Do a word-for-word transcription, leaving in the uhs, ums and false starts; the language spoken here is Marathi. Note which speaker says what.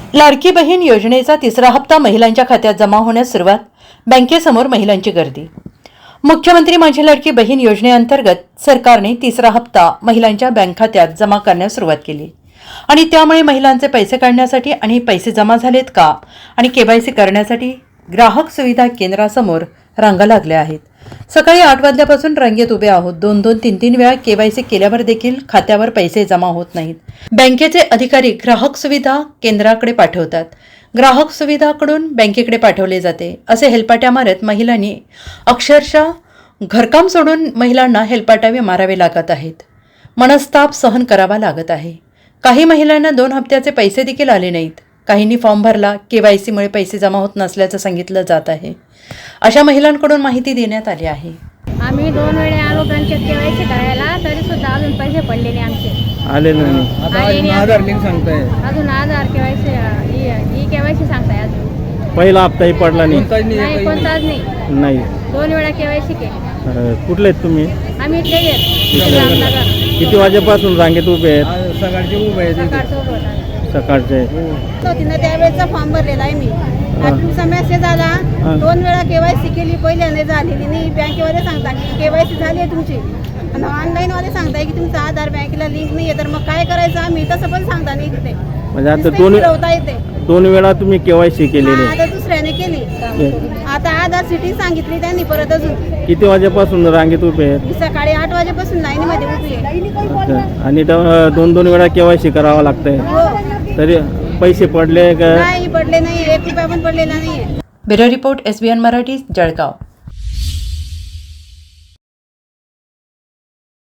Speaker 1: लाडकी बहीण योजनेचा तिसरा हप्ता महिलांच्या खात्यात जमा होण्यास सुरुवात. बँकेसमोर महिलांची गर्दी. मुख्यमंत्री माझी लाडकी बहीण योजनेअंतर्गत सरकारने तिसरा हप्ता महिलांच्या बँक खात्यात जमा करण्यास सुरुवात केली आणि त्यामुळे महिलांचे पैसे काढण्यासाठी आणि पैसे जमा झालेत का आणि केवायसी करण्यासाठी ग्राहक सुविधा केंद्रासमोर रांगा लागल्या आहेत. सकाळी आठ वाजल्यापासून रांगेत उभे आहोत. दोन दोन तीन तीन वेळा केवायसी केल्यावर देखील खात्यावर पैसे जमा होत नाहीत. बँकेचे अधिकारी ग्राहक सुविधा केंद्राकडे पाठवतात. ग्राहक सुविधाकडून बँकेकडे पाठवले जाते. असे हेलपाट्या मारत महिलांनी अक्षरशः घरकाम सोडून महिलांना हेलपाटावे मारावे लागत आहेत. मनस्ताप सहन करावा लागत आहे. काही महिलांना दोन हप्त्याचे पैसे देखील आले नाहीत. काहींनी फॉर्म भरला, केवायसीमुळे पैसे जमा होत नसल्याचं सांगितलं जात आहे. अशा महिलांकडून माहिती देण्यात आली आहे.
Speaker 2: आम्ही दोन वेळे आलो बँकेत केवायसी करायला, तरी सुद्धा अजून पैसे पडले नाही आमचे.
Speaker 3: आले नाही.
Speaker 4: आधार लिंक सांगताय,
Speaker 2: अजून आधार केवायसी ई केवायसी सांगताय. अजून
Speaker 3: पहिला हप्ताही पडला नाही.
Speaker 2: नाही, कोणताच नाही.
Speaker 3: नाही.
Speaker 2: दोन वेळा केवायसी केली.
Speaker 3: अरे, कुठले आहेत तुम्ही?
Speaker 2: आम्ही इथले गेलो रामनगर.
Speaker 3: किती वाजेपासून रांगेत उभे आहेत?
Speaker 4: सकाळचे उभे आहेत.
Speaker 2: सकाळचं उभं होतं.
Speaker 3: सकाळचे.
Speaker 2: तिनं त्यावेळेचा फॉर्म भरलेला आहे मी. तुमचा मेसेज आला, दोन वेळा केवायसी केली, पहिल्यांदा झालेली नाही. बँकेवाले सांगता की केवायसी झाली आहे तुमची, आणि ऑनलाईन वाले सांगताय की तुमचा आधार बँकेला लिंक नाही आहे. तर मग काय करायचं आम्ही? तसं पण सांगता नाही तिथे.
Speaker 3: म्हणजे आता दोन
Speaker 2: येते
Speaker 3: दोन वेळा तुम्ही केवायसी केलेली.
Speaker 2: आता दुसऱ्याने केली. आता आधार सिटी सांगितली त्यांनी परत. अजून
Speaker 3: किती वाजेपासून रांगेत उभे आहेत?
Speaker 2: सकाळी आठ वाजेपासून लाईनीमध्ये उभी आहे.
Speaker 3: आणि दोन दोन वेळा केवायसी करावं लागतंय. तरी पैसे पडले का?
Speaker 2: नाही पडले नाही, एक रुपया पण पडलेला नाहीये.
Speaker 1: Bureau report S B N Marathi, Jalgaon.